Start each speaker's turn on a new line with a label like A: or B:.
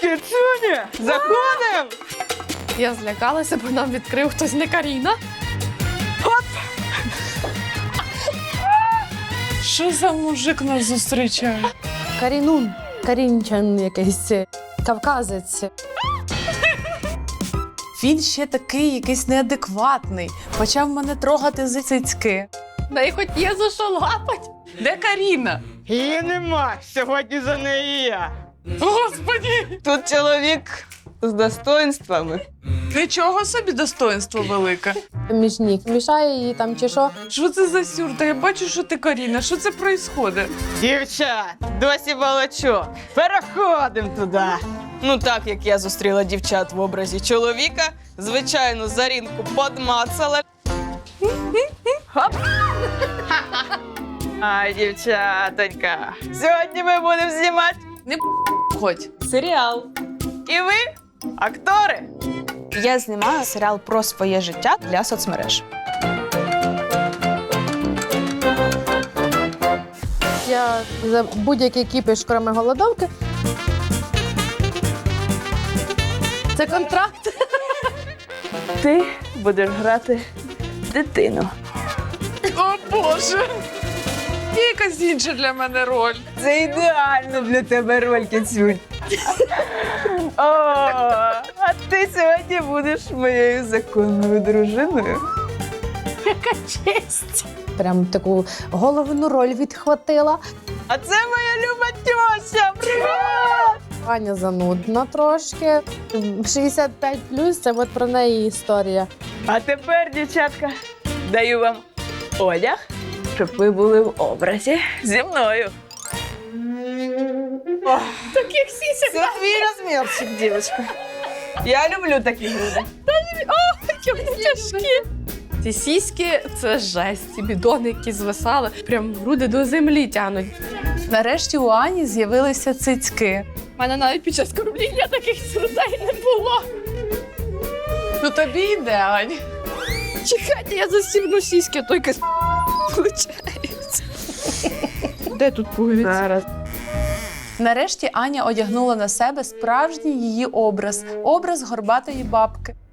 A: Кицюня, заходим!
B: Я злякалася, бо нам відкрив хтось не Каріна.
C: Що за мужик нас зустрічає?
B: Карінун, карінчан якийсь, кавказець.
C: Він ще такий якийсь неадекватний. Почав мене трогати за цицьки.
B: Да й хоч є за що лапать.
C: Де Каріна?
A: Її нема, сьогодні за неї я.
C: Господі!
A: Тут чоловік з достоинствами.
C: Нічого собі достоинство велике.
B: Міжнік мішає її там чи що.
C: Що це за сюрта? Я бачу, що ти Каріна. Що це происходить?
A: Дівчат, досі балачок. Переходимо туди. Ну так, як я зустріла дівчат в образі чоловіка, звичайно, Зарінку подмацала. Хоп! Ай, дівчатонька, сьогодні ми будемо знімати
C: Хоч.
A: серіал. І ви, актори. Я знімаю серіал про своє життя для соцмереж.
B: Я за будь-який кіпіш, кроме голодовки. Це контракт.
A: Ти будеш грати дитину.
C: О, Боже! Є якась інша для мене роль.
A: Це ідеально для тебе роль, Кицюнь. О, а ти сьогодні будеш моєю законною дружиною.
B: Прям таку головну роль відхватила.
A: А це моя люба тьося. Привіт!
B: Аня занудна трошки. 65+, це от про неї історія.
A: А тепер, дівчатка, даю вам одяг, щоб ви були в образі зі мною.
B: Таких сісяк.
A: Це твій розмірчик, дівчинка. Я люблю такі груди.
B: Тяжкі. Ці сіськи – це жесть. Ці бідони, які звисали, прям груди до землі тянуть.
C: Нарешті у Ані з'явилися цицьки.
B: У мене навіть під час кормління таких сюрдей не було.
C: Ну тобі йде, Ань.
B: Чекайте, я застібну сіськи, той кис виходить. Де тут пуговиці?
A: Зараз.
C: Нарешті Аня одягнула на себе справжній її образ – образ горбатої бабки.